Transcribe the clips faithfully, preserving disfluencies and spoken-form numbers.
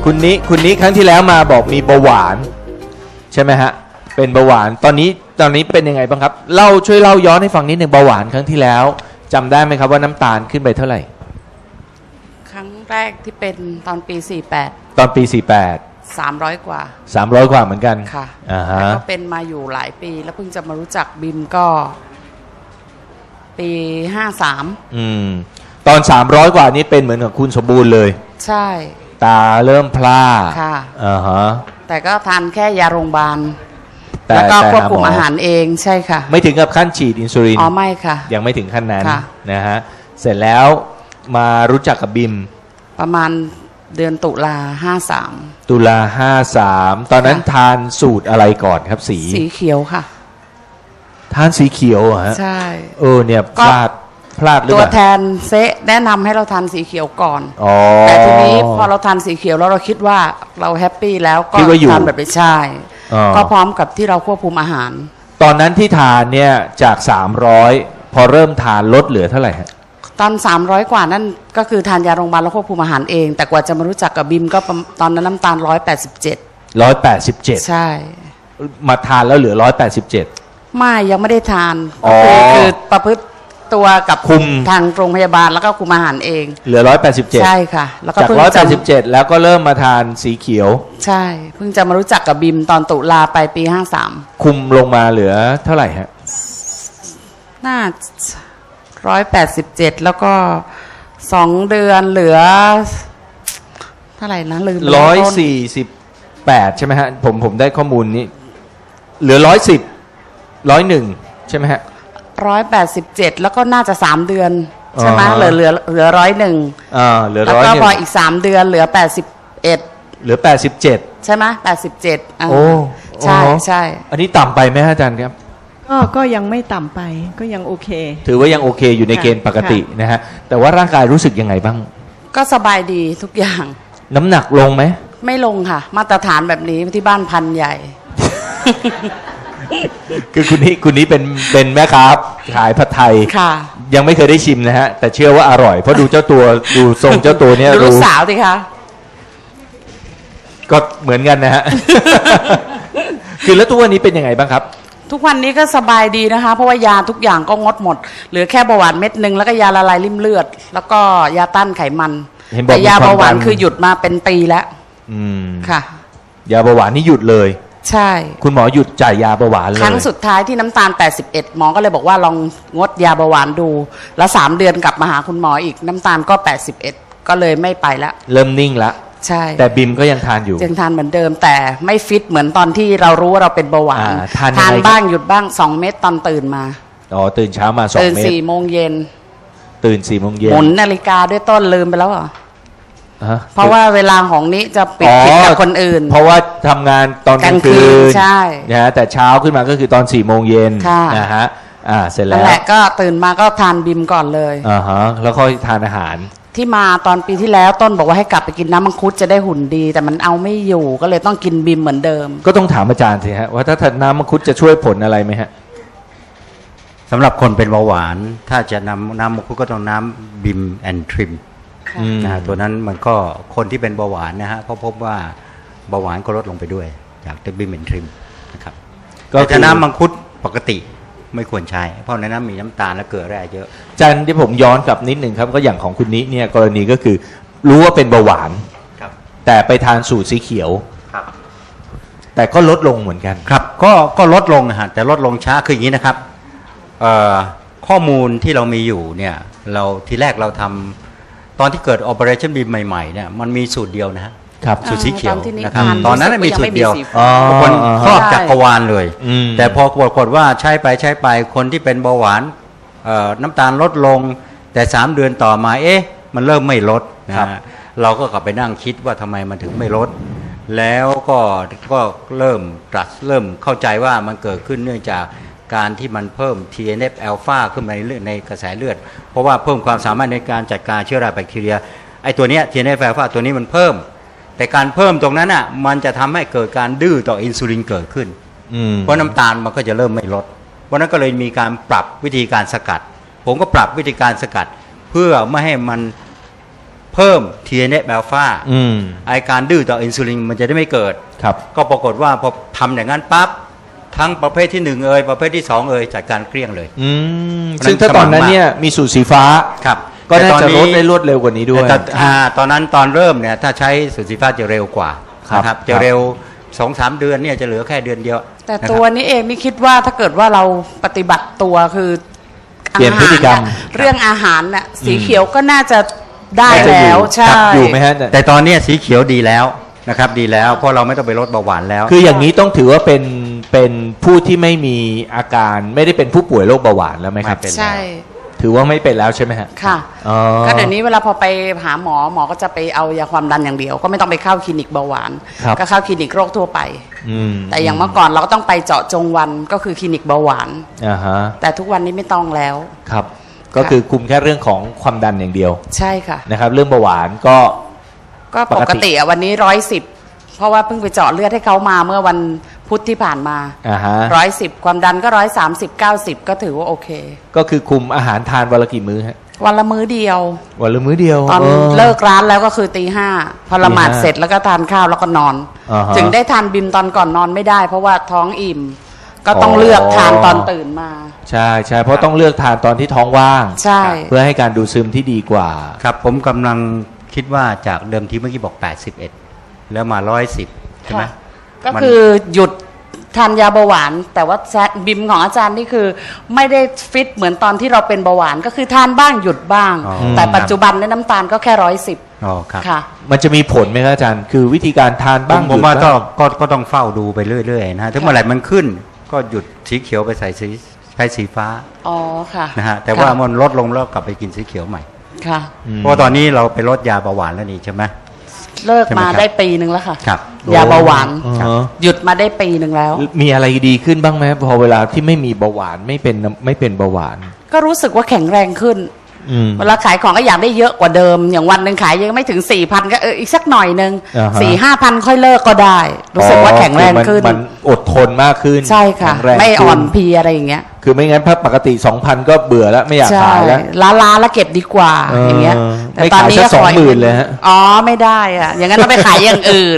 คุณนี้คุณนี้ครั้งที่แล้วมาบอกมีเบาหวานใช่ไหมฮะเป็นเบาหวานตอนนี้ตอนนี้เป็นยังไงบ้างครับเล่าช่วยเล่าย้อนให้ฟังนิดหนึ่งเบาหวานครั้งที่แล้วจำได้ไหมครับว่าน้ำตาลขึ้นไปเท่าไหร่ครั้งแรกที่เป็นตอนปีสี่สิบแปดตอนปีสี่สิบแปดสามร้อยกว่าสามร้อยกว่าเหมือนกันค่ะอ่าฮะแล้วก็เป็นมาอยู่หลายปีแล้วเพิ่งจะมารู้จักบิมก็ปีห้าสามอืมตอนสามร้อยกว่านี้เป็นเหมือนกับคุณสมบูรณ์เลยใช่ตาเริ่มพร่าค่ะอ่าฮะแต่ก็ทานแค่ยาโรงพยาบาลแต่แล้วก็ควบคุมแต่หาหมออาหารเองใช่ค่ะไม่ถึงกับขั้นฉีดอินซูลินอ๋อไม่ค่ะยังไม่ถึงขั้นนั้นค่ะนะฮะเสร็จแล้วมารู้จักกับบิมประมาณเดือนตุลาห้าสามตุลาห้าสามตอนนั้นทานสูตรอะไรก่อนครับสีสีเขียวค่ะทานสีเขียวเหรอฮะใช่เออเนี่ยพลาดพลาดหรือเปตัวล่าแทนเซะแนะนำให้เราทานสีเขียวก่อนอ๋อแต่ทีนี้พอเราทานสีเขียวแล้วเราคิดว่าเราแฮปปี้แล้วก็ทานแบบไม่ใช่ก็พร้อมกับที่เราควบคุมอาหารตอนนั้นที่ทานเนี่ยจากสามร้อยพอเริ่มทานลดเหลือเท่าไหร่ฮะตอนสามร้อยกว่านั่นก็คือทานยาโรงพยาบาลแล้วควบคุมอาหารเองแต่กว่าจะมารู้จักกับบิมก็ตอนนั้นน้ำตาลร้อยแปดสิบเจ็ดร้อยแปดสิบเจ็ดใช่มาทานแล้วเหลือร้อยแปดสิบเจ็ดไม่ยังไม่ได้ทานคือคือประพฤติตัวกับคุมทางโรงพยาบาลแล้วก็คุมอาหารเองเหลือร้อยแปดสิบเจ็ดใช่ค่ะแล้วก็จากร้อยแปดสิบเจ็ดแล้วก็เริ่มมาทานสีเขียวใช่เพิ่งจะมารู้จักกับบิมตอนตุลาไปปีห้าสามคุมลงมาเหลือเท่าไหร่ฮะน่าร้อยแปดสิบเจ็ดแล้วก็สองเดือนเหลือเท่าไหร่นะลืมร้อยสี่สิบแปดใช่ไหมฮะผมผมได้ข้อมูลนี้เหลือร้อยสิบร้อยหนึ่งใช่ไหมฮะร้อยแปดสิบเจ็ดแล้วก็น่าจะสามเดือนใช่ไหมเหลือเหลือเหลือร้อยหนึ่งอ่าเหลือร้อยแล้วก็พออีกสามเดือนเหลือแปดสิบเอ็ดเหลือแปดสิบเจ็ดใช่ไหมแปดสิบเจ็ดโอ้ใช่ใช่อันนี้ต่ำไปไหมอาจารย์ครับก็ก็ยังไม่ต่ำไปก็ยังโอเคถือว่ายังโอเคอยู่ในเกณฑ์ปกตินะฮะแต่ว่าร่างกายรู้สึกยังไงบ้างก็สบายดีทุกอย่างน้ำหนักลงไหมไม่ลงค่ะมาตรฐานแบบนี้ที่บ้านพันใหญ่คือคุณนี้คุณนี้เป็นเป็นแม่ค้าขายผัดไทยค่ะยังไม่เคยได้ชิมนะฮะแต่เชื่อว่าอร่อยเพราะดูเจ้าตัวดูทรงเจ้าตัวเนี้ยดูลูกสาวสิคะก็เหมือนกันนะฮะ คือแล้วทุกวันนี้เป็นยังไงบ้างครับทุกวันนี้ก็สบายดีนะคะเพราะว่ายาทุกอย่างก็งดหมดเหลือแค่เบาหวานเม็ดนึงแล้วก็ยาละลายริ่มเลือดแล้วก็ยาต้านไขมันแต่ยาเบาหวานคือหยุดมาเป็นปีแล้วอืมค่ะยาเบาหวานนี่หยุดเลยใช่คุณหมอหยุดจ่ายยาเบาหวานเลยครั้งสุดท้ายที่น้ำตาลแปดสิบเอ็ดหมอก็เลยบอกว่าลองงดยาเบาหวานดูแล้วสามเดือนกลับมาหาคุณหมออีกน้ำตาลก็แปดสิบเอ็ดก็เลยไม่ไปแล้วเริ่มนิ่งละใช่แต่บิมก็ยังทานอยู่ยังทานเหมือนเดิมแต่ไม่ฟิตเหมือนตอนที่เรารู้ว่าเราเป็นเบาหวานทานทานบ้างหยุดบ้างสองเม็ดตอนตื่นมาอ๋อตื่นเช้ามาสองเม็ดตื่นสี่โมงเย็นตื่นสี่โมงเย็นหมุนนาฬิกาด้วยต้นลืมไปแล้วเหรอเพราะว่าเวลาของนี้จะปิดผิดกับคนอื่นเพราะว่าทำงานตอนกลางคืนใช่นะฮะแต่เช้าขึ้นมาก็คือตอนสี่โมงเย็นนะฮะอ่าเสร็จแล้วแหละก็ตื่นมาก็ทานบิมก่อนเลยอ่าฮะแล้วค่อยทานอาหารที่มาตอนปีที่แล้วต้นบอกว่าให้กลับไปกินน้ำมังคุดจะได้หุ่นดีแต่มันเอาไม่อยู่ก็เลยต้องกินบิมเหมือนเดิมก็ต้องถามอาจารย์สิฮะว่าถ้าทานน้ำมังคุดจะช่วยผลอะไรไหมฮะสำหรับคนเป็นเบาหวานถ้าจะนำน้ำมังคุดก็ต้องน้ำบิมแอนทริมนะฮะตัวนั้นมันก็คนที่เป็นเบาหวานนะฮะเขาพบว่าเบาหวานก็ลดลงไปด้วยจากตัวบิมแอนทริมนะครับก็ถ้าน้ำมังคุดปกติไม่ควรใช้เพราะในนั้นมีน้ำตาลและเกลือแร่เยอะอาจารย์ที่ผมย้อนกลับนิดหนึ่งครับก็อย่างของคุณนี้เนี่ยกรณีก็คือรู้ว่าเป็นเบาหวานแต่ไปทานสูตรสีเขียวแต่ก็ลดลงเหมือนกันครับก็ก็ลดลงนะฮะแต่ลดลงช้าคืออย่างนี้นะครับข้อมูลที่เรามีอยู่เนี่ยเราทีแรกเราทำตอนที่เกิด Operation Beam ใหม่ๆเนี่ยมันมีสูตรเดียวนะฮะสูตรสีเขียวนะครับตอนนั้นมีสูตรเดียวคนครอบจักรวาลเลยแต่พอปรากฏว่าใช้ไปใช้ไปคนที่เป็นเบาหวานน้ำตาลลดลงแต่สามเดือนต่อมาเอ๊ะมันเริ่มไม่ลดนะเราก็กลับไปนั่งคิดว่าทำไมมันถึงไม่ลดแล้วก็ก็เริ่มตรัสเริ่มเข้าใจว่ามันเกิดขึ้นเนื่องจากการที่มันเพิ่ม ที เอ็น เอฟ อลฟา ขึ้นมาในเลือดในกระแสเลือดเพราะว่าเพิ่มความสามารถในการจัดการเชื้อราแบคทีเรียไอ้ตัวเนี้ย ที เอ็น เอฟ อลฟา ตัวนี้มันเพิ่มแต่การเพิ่มตรงนั้นอ่ะมันจะทำให้เกิดการดื้อต่ออินซูลินเกิดขึ้นเพราะน้ำตาลมันก็จะเริ่มไม่ลดเพราะนั้นก็เลยมีการปรับวิธีการสกัดผมก็ปรับวิธีการสกัดเพื่อไม่ให้มันเพิ่ม ที เอ็น เอฟ อัลฟาอืมไอการดื้อต่ออินซูลินมันจะได้ไม่เกิดครับก็ปรากฏว่าพอทำอย่างนั้นปั๊บทั้งประเภทที่หนึ่งเอ่ยประเภทที่สองเอ่ยจัดการเกลี้ยงเลยอืมซึ่งถ้าตอนนั้นเนี่ยมีสูตรสีฟ้าครับก็น่าแต่ตอนจะนี้ลดได้รวดเร็วกว่านี้ด้วยแต่อ่าตอนนั้นตอนเริ่มเนี่ยถ้าใช้สูตรสีฟ้าจะเร็วกว่าครับนะครับจะเร็วสองสามเดือนเนี่ยจะเหลือแค่เดือนเดียวแต่นะครับตัวนี้เองนี่คิดว่าถ้าเกิดว่าเราปฏิบัติตัวคือเปลี่ยนพฤติกรรมอาหาน่ะเรื่องอาหารน่ะสีเขียวก็น่าจะได้น่าจะอยู่แล้วใช่ครับอยู่ไหมฮะแต่ตอนเนี้ยสีเขียวดีแล้วนะครับดีแล้วเพราะเราไม่ต้องไปลดเบาหวานแล้วคืออย่างนี้ต้องถือว่าเป็นเป็นผู้ที่ไม่มีอาการไม่ได้เป็นผู้ป่วยโรคเบาหวานแล้วไหมครับไม่เป็นใช่ถือว่าไม่เป็นแล้วใช่ไหมฮะค่ะอ๋อก็เดี๋ยวนี้เวลาพอไปหาหมอหมอก็จะไปเอายาความดันอย่างเดียว ก็ไม่ต้องไปเข้าคลินิกเบาหวานครับก็เข้าคลินิกโรคทั่วไปอืมแต่อย่างเมื่อก่อนเราก็ต้องไปเจาะจงวันก็คือคลินิกเบาหวานอ่าฮะแต่ทุกวันนี้ไม่ต้องแล้วครับ ก็คือคุมแค่เรื่องของความดันอย่างเดียวใช่ค่ะนะครับ เรื่องเบาหวานก็ก็ปปกกติติอะวันนี้ร้อยสิบเพราะว่าเพิ่งไปเจาะเลือดให้เขามาเมื่อวันพุธที่ผ่านมาอ่าฮะร้อยสิบความดันก็ร้อยสามสิบเก้าสิบก็ถือว่าโอเคก็คือคุมอาหารทานวันละกี่มื้อฮะวันละมื้อเดียววันละมื้อเดียวตอนอเลิกร้านแล้วก็คือตีห้าพอละหมาดตีห้าเสร็จแล้วก็ทานข้าวแล้วก็นอนอ่าฮะถึงได้ทานบิมตอนก่อนนอนไม่ได้ เพราะว่าท้องอิ่ม ก็ต้องอ๋อเลือกทานตอนตื่นมาใช่ใช่เพราะต้องเลือกทานตอนที่ท้องว่างใช่เพื่อให้การดูดซึมที่ดีกว่าครับผมกำลังคิดว่าจากเดิมทีเมื่อกี้บอกแปดสิบเอ็ดแล้วมาร้อยสิบใช่ไหมค่ะก็มันคือหยุดทานยาเบาหวาน แต่ว่าแซะบิมของอาจารย์นี่คือไม่ได้ฟิตเหมือนตอนที่เราเป็นเบาหวานก็คือทานบ้างหยุดบ้างอ๋อแต่ปัจจุบันเนี่ยน้ำตาลก็แค่ร้อยสิบอ๋อครับค่ะมันจะมีผลไหมครับอาจารย์ คือวิธีการทานผบ้างมผมว่าหยุดก็บ้างก็ก็ต้องเฝ้าดูไปเรื่อยๆนะฮะถึงเมื่อไหร่มันขึ้นก็หยุดสีเขียวไปใส่สีใช้สีฟ้าอ๋อค่ะนะฮะแต่ว่าค่ะมันลดลงแล้วกลับไปกินสีเขียวใหม่ค่ะอืมเพราะว่าตอนนี้เราไปลดยาเบาหวานแล้วนี่ใช่ไหมเลิกใช่ไหมมาครับได้ปีหนึ่งแล้วค่ะครับยาเบาหวานอ๋อหยุดมาได้ปีหนึ่งแล้วมีอะไรดีขึ้นบ้างไหมพอเวลาที่ไม่มีเบาหวานไม่เป็นไม่เป็นเบาหวานก็รู้สึกว่าแข็งแรงขึ้นอืมเวลาขายของก็อยากได้เยอะกว่าเดิม อย่างวันหนึ่งขายยังไม่ถึงสี่พันก็เอออีกสักหน่อยหนึ่งอ่าฮะสี่ห้าพันค่อยเลิกก็ได้ รู้สึกว่าแข็งแรงขึ้นมันอดทนมากขึ้นใช่ค่ะแข็งแรงไม่อ่อนขึ้เพลียอะไรอย่างเงี้ยคือไม่งั้นถ้าปกติ สองพัน ก็เบื่อแล้วไม่อยากใช่ขายแล้วล้าล้าๆแล้วเก็บดีกว่าเออออย่างเงี้ยไม่ขายสักก็สองหมื่นเลยฮะอ๋อไม่ได้อะอย่างนั้นต้องไปขายอย่างอื่น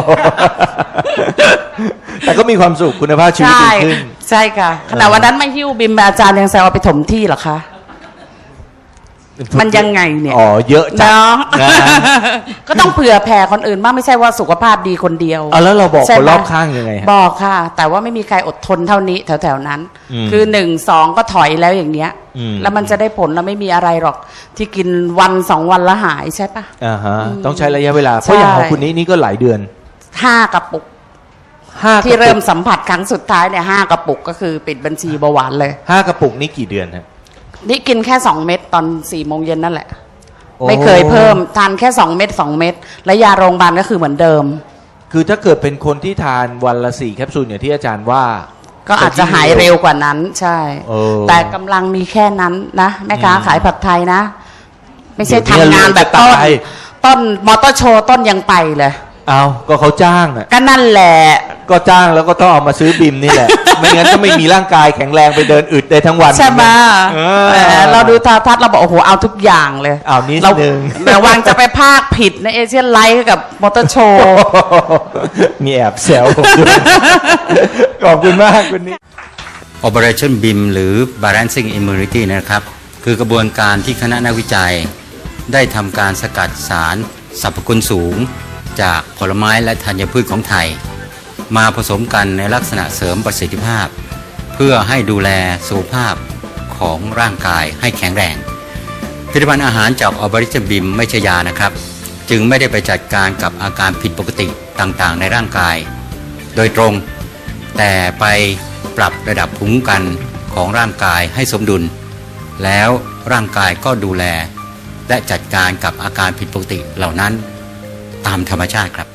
แต่ก็มีความสุขคุณภาพชีวิตใช่ดีขึ้นใช่ค่ะแต่วันนั้นไม่หิ้วบิมอาจารย์ยังแซวเอาไปถมที่เหรอคะ มันยังไงเนี่ยอ๋อเยอะจังเนาะนะฮะก็ต้องเผื่อแผ่คนอื่นบ้างไม่ใช่ว่าสุขภาพดีคนเดียวเอาแล้วเราบอกใช่คนไหมรอบข้างยังไงฮะบอกค่ะ แต่ว่าไม่มีใครอดทนเท่านี้แถวๆนั้นอืมคือหนึ่งสองก็ถอยแล้วอย่างเนี้ยอืมแล้วมันจะได้ผลแล้วไม่มีอะไรหรอก ที่กินวันสองวันแล้วหายใช่ปะอ่าฮะต้องใช้ระยะเวลา เพใช่ราะอย่างของคุณนี้นี่ก็หลายเดือนห้ากระปุกห้ากที่ระปุเริ่กมสัมผัสครั้งสุดท้ายเนี่ยห้ากระปุกก็คือปิดบัญชีเบาหวานเลยห้ากระปุกนี่กี่เดือนฮะนี่กินแค่สองเม็ดตอนสี่โมงเย็นนั่นแหละโอ้ไม่เคยเพิ่มทานแค่สองเม็ดสองเม็ดและยาโรงพยาบาลก็คือเหมือนเดิมคือถ้าเกิดเป็นคนที่ทานวันละสี่แคปซูลอย่างที่อาจารย์ว่าก็อาจจะหายเร็วกว่านั้นใช่เออแต่กำลังมีแค่นั้นนะแม่ค้าอืมขายผัดไทยนะ ไม่ใช่เดี๋ยวนี้ทำงานแบบจะต้นตายต้นมอเตอร์โชว์ต้นยังไปเลยเอาก็เขาจ้างอ่ะก็นั่นแหละก็จ้างแล้วก็ต้องเอามาซื้อบิมนี่แหละ ไม่งั้นก็ไม่มีร่างกายแข็งแรงไปเดินอึดได้ทั้งวันใช่ไหมเอแหอมเราดูโทรทัศน์เราบอกโอ้โหเอาทุกอย่างเลยเอานิดเรานึงระวังจะไปภาคผิดในเอเชียนไลท์กับมอเตอร์โชว์มีแอบแซวผมด้วยขอบคุณมากคุณนี้ Operationบี เอ็ม หรือ Balancing Immunity นะครับคือกระบวนการที่คณะนักวิจัย ได้ทำการสกัดสารสรรพคุณสูง จากผลไม้และธัญพืชของไทย มาผสมกันในลักษณะเสริมประสิทธิภาพ เพื่อให้ดูแลสุขภาพของร่างกายให้แข็งแรงผลิตภัณฑ์อาหารจาก Operationบี เอ็ม ไม่ใช่ยานะครับ จึงไม่ได้ไปจัดการกับอาการผิดปกติต่างๆ ในร่างกาย โดยตรง แต่ไปปรับระดับภูมิคุ้มกันของร่างกายให้สมดุล แล้วร่างกายก็ดูแล และจัดการกับอาการผิดปกติเหล่านั้นตามธรรมชาติครับ